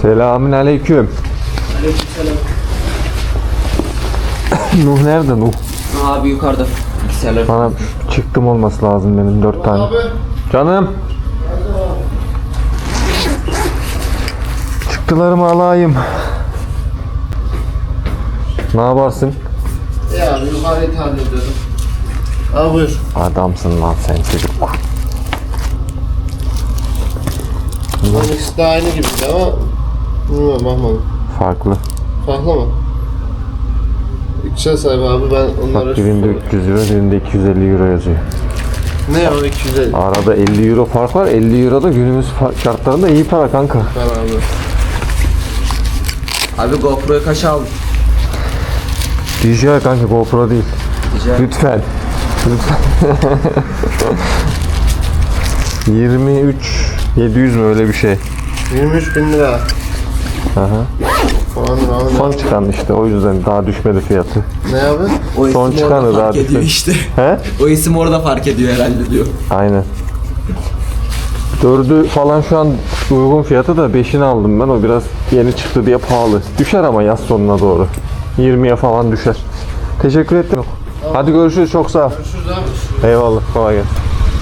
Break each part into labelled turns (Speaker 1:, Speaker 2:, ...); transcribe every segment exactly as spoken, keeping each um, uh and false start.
Speaker 1: Selamünaleyküm.
Speaker 2: Aleykümselam.
Speaker 1: Nuh nerede Nuh?
Speaker 2: Abi yukarıda. Bilgisayarlar.
Speaker 1: Bana çıktım olması lazım benim dört tane.
Speaker 3: Abi.
Speaker 1: Canım. Çıktılarımı alayım. Ne yaparsın?
Speaker 3: Ya abi yukarıyı tahlil ediyordum. Abi buyur.
Speaker 1: Adamsın lan sen çocuk.
Speaker 3: Bunların ikisi de aynı gibi ama bilmiyorum bakmadım.
Speaker 1: Farklı.
Speaker 3: Farklı mı? İkişer sayfa abi ben onları...
Speaker 1: Bak birinde üç yüz euro, birinde iki yüz elli euro yazıyor.
Speaker 3: Ne o iki yüz elli?
Speaker 1: Arada elli euro fark var. elli euro da günümüz fa- şartlarında iyi para kanka.
Speaker 3: Ben abi.
Speaker 2: Abi GoPro'yu kaç aldın?
Speaker 1: D J I kanka, GoPro değil.
Speaker 2: Rica
Speaker 1: Lütfen. Lütfen. yirmi üç yedi yüz mü öyle bir şey.
Speaker 3: yirmi üç bin lira.
Speaker 1: Aha.
Speaker 3: Falan abi.
Speaker 1: Son çıkan işte, o yüzden daha düşmedi fiyatı.
Speaker 3: Ne abi?
Speaker 2: O
Speaker 1: Son
Speaker 2: isim
Speaker 1: çıkanı
Speaker 2: orada
Speaker 1: daha
Speaker 2: fark ediyor
Speaker 1: düşmedi.
Speaker 2: işte.
Speaker 1: He?
Speaker 2: O isim orada fark ediyor herhalde diyor.
Speaker 1: Aynen. Dördü falan şu an uygun fiyatı da beşini aldım ben. O biraz yeni çıktı diye pahalı. Düşer ama yaz sonuna doğru. yirmiye falan düşer. Teşekkür ettim. Hadi görüşürüz, çok sağ ol.
Speaker 3: Görüşürüz abi.
Speaker 1: Eyvallah, kolay gelsin.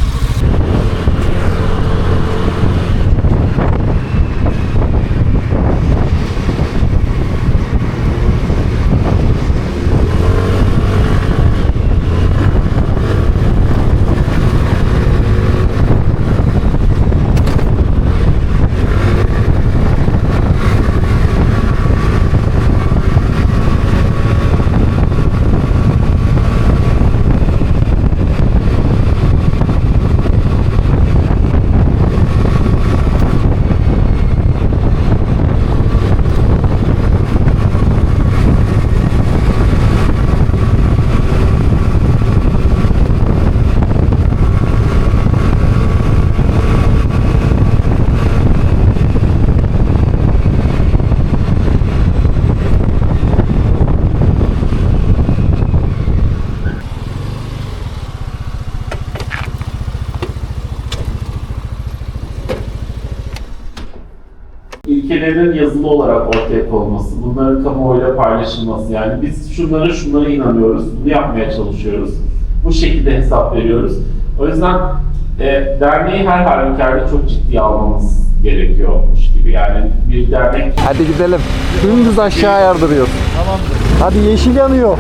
Speaker 4: İlkelerin yazılı olarak ortaya konması, bunların kamuoyuyla paylaşılması. Yani biz şunlara şunlara inanıyoruz, bunu yapmaya çalışıyoruz. Bu şekilde hesap veriyoruz. O yüzden e, derneği her halükarda çok ciddiye almamız gerekiyormuş gibi. Yani bir dernek...
Speaker 1: Hadi gidelim. Dümdüz aşağı yardırıyor. Tamamdır. Hadi yeşil yanıyor.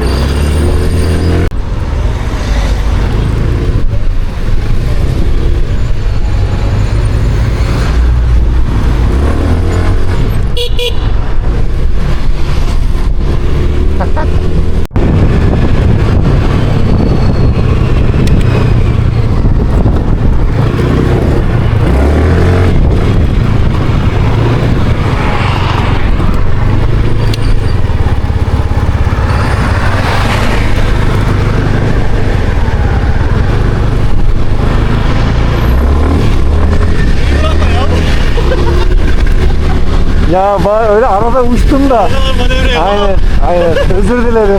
Speaker 1: Ya ba- öyle arada uçtum da. Aynen, aynen. Özür dilerim.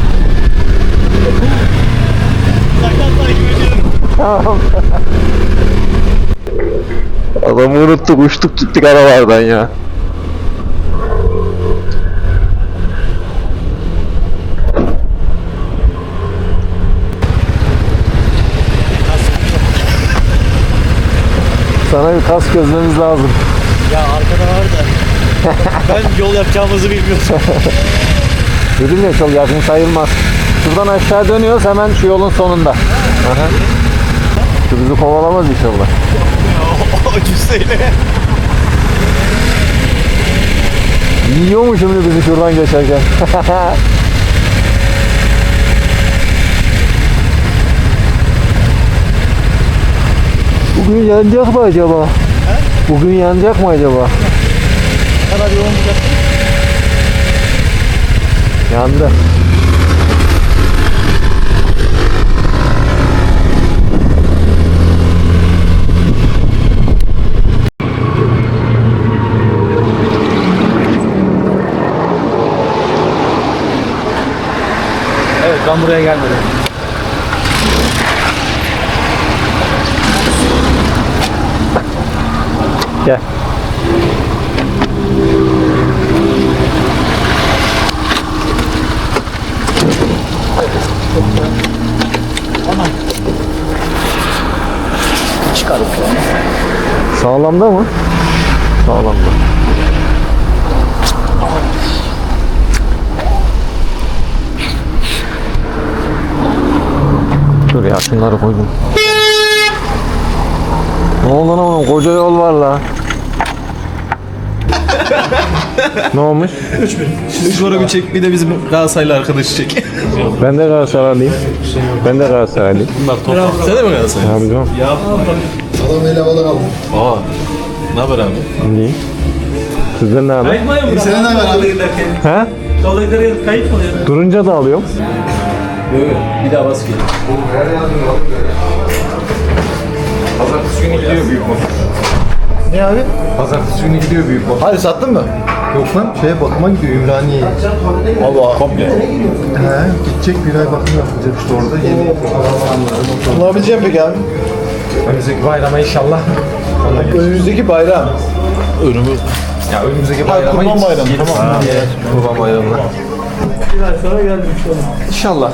Speaker 1: Tamam. Adamı unuttuk, uçtuk gittik aralardan ya. Sana bir kas gözlememiz lazım.
Speaker 5: Ya arkada var da ben yol yapacağımızı bilmiyorum.
Speaker 1: Dedim ya, çok yakın sayılmaz. Şuradan aşağı dönüyoruz, hemen şu yolun sonunda. Aha. Şu bizi kovalamaz inşallah.
Speaker 5: O cüsseyle.
Speaker 1: Yiyor mu şimdi bizi şuradan geçerken? Bugün yanacak mı acaba? He? Bugün yanacak mı acaba?
Speaker 5: Ne kadar yoğun olacak?
Speaker 1: Yandı.
Speaker 5: Evet, ben buraya gelmedim.
Speaker 1: Gel.
Speaker 5: Çıkarıp yani.
Speaker 1: Sağlamda mı? Sağlamda. Dur ya şunları koydum. Ne oldu lan oğlum? Koca yol var la. Ne olmuş?
Speaker 5: Sonra bir çek, bir de bizim Galatasaraylı arkadaşı çek.
Speaker 1: Ben de Galatasaraylıyım. Ben de Galatasaraylıyım.
Speaker 5: Sen de mi Galatasaraylı?
Speaker 1: Abi canım.
Speaker 3: Adam ele alır alır.
Speaker 5: Aa. Ne haber abi?
Speaker 1: İyi. Sizden ne haber?
Speaker 3: Senin ne haber abi?
Speaker 1: He?
Speaker 5: Kayıt mı oluyor?
Speaker 1: Durunca da alıyorum.
Speaker 5: Yok yok. Bir daha bas gel.
Speaker 1: Pazartesi günü gidiyor büyük boş.
Speaker 3: Ne abi?
Speaker 1: Pazartesi günü gidiyor büyük boş.
Speaker 3: Hadi sattın mı?
Speaker 6: Yok lan şeye bakıma gidiyor Ümraniye'ye.
Speaker 3: Allah.
Speaker 5: Komple.
Speaker 6: He gidecek bir ay bakım yapacak işte orada yeni insanları.
Speaker 3: Bulabileceğim peki abi?
Speaker 1: Önümüzdeki bayrama inşallah.
Speaker 3: Önümüzdeki bayram.
Speaker 5: Önümü.
Speaker 1: Ya önümüzdeki
Speaker 3: Hayır,
Speaker 1: bayrama
Speaker 3: Kurban Bayramı. Tamam.
Speaker 1: Kurban bayramına.
Speaker 7: Bir ay sonra geldim şu an.
Speaker 1: İnşallah.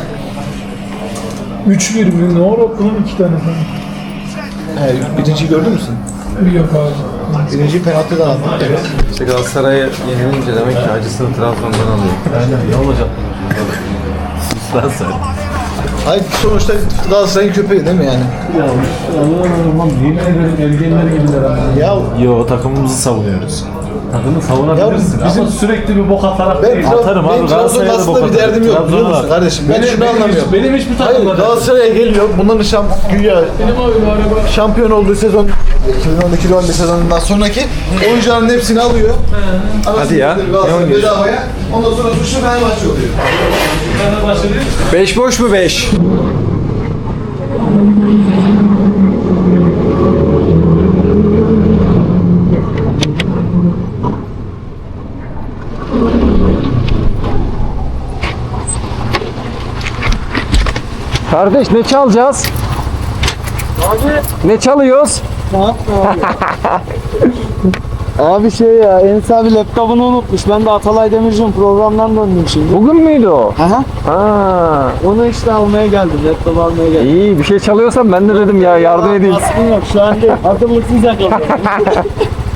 Speaker 7: Üç bir mi? Ne var okulun iki tane falan.
Speaker 3: He, birinciyi gördün mü sen?
Speaker 7: Yok abi.
Speaker 3: Birinciyi penaltıdan attın. Evet.
Speaker 1: İşte Galatasaray'a yenilince demek ki acısını Trabzon'dan alıyor.
Speaker 5: Aynen. Ne olacak? Galatasaray.
Speaker 3: Hayır sonuçta Galatasaray'ın köpeği değil mi yani?
Speaker 7: Ya Allah'ım yemin ederim ergenler gibiler ama.
Speaker 3: Ya
Speaker 5: Yo, takımımızı savunuyoruz.
Speaker 7: Takımı savunabilirsin
Speaker 3: Ya bizim-
Speaker 7: ama sürekli bir bok atarak
Speaker 3: ben,
Speaker 7: değil.
Speaker 3: Trab-
Speaker 5: Atarım abi,
Speaker 3: benim Trabzon'un
Speaker 5: Galatasaray'a da
Speaker 3: aslında
Speaker 5: bok
Speaker 3: bir derdim yok
Speaker 5: atarım.
Speaker 3: biliyor musun
Speaker 5: Trabzon'a-
Speaker 3: kardeşim? Ben
Speaker 7: Benim-
Speaker 3: şunu
Speaker 7: benim hiç-
Speaker 3: anlamıyorum.
Speaker 7: benim hiçbir
Speaker 3: Hayır
Speaker 7: takımda değil.
Speaker 3: Galatasaray'a geliyor. Bunların şamp güya
Speaker 7: Benim abi bu araba.
Speaker 3: şampiyon olduğu sezon iki bin on iki on bir sezonundan sonraki oyuncuların hepsini alıyor.
Speaker 1: Hadi ya. Ne oynuyorsun?
Speaker 3: Bedavaya. Ondan sonra suçlu Fenerbahçe oluyor.
Speaker 7: Fenerbahçe değil.
Speaker 1: Beş boş mu beş? Kardeş ne çalacağız? Ne çalıyoruz?
Speaker 8: Abi şey ya Enes abi laptopunu unutmuş. Ben de Atalay Demirci'nin programdan döndüm şimdi.
Speaker 1: Bugün müydü o?
Speaker 8: Aha.
Speaker 1: Ha,
Speaker 8: Onu işte almaya geldim. Laptop almaya geldim.
Speaker 1: iyi bir şey çalıyorsan ben de dedim ya yardım edeyim.
Speaker 8: Baskın yok şu an değil. Hazırlıksız yakaladım.